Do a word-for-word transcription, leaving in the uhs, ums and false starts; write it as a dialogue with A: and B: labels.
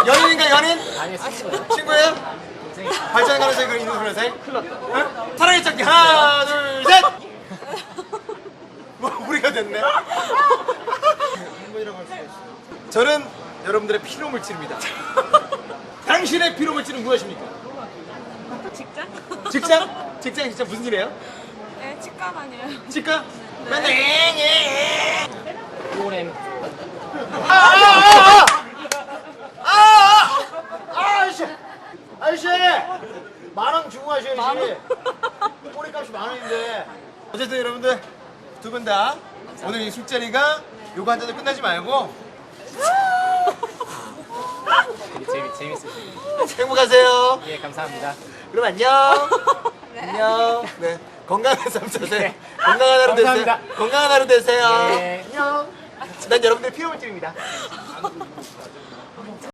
A: 연인인가 연인?
B: 아니 친구예요.
A: 친구예요? 발전의 가능성이 그런 있는 그런 사이? 큰일 났다. 응? 사랑의 짝기 하나 둘 셋. 뭐 우리가 됐네. 행복이라고 할 수가 있어. 저는 여러분들의 피로 물질입니다. 당신의 피로 물질은 무엇입니까?
C: 직장?
A: 직장? 직장 진짜 무슨 일이에요?
C: 네, 치과 다녀요.
A: 치과? 맨날 엥엥.
B: 오렘.
A: 아아아아 아저씨 아저씨 만원 주고 가셔야지. 꼬리값이 만 원인데. 어쨌든 여러분들 두 분 다 오늘 이 술자리가 요거 한 잔도 끝나지 말고
B: 되게 재미 재밌으시네요.
A: 행복하세요.
B: 예 감사합니다.
A: 그럼 안녕. 안녕. 네 건강한 삶 사세요. 건강한 하루 되세요.
B: 감사합니다.
A: 건강한 하루 되세요.
B: 예.
A: 안녕. 난 여러분들의 피로물질입니다.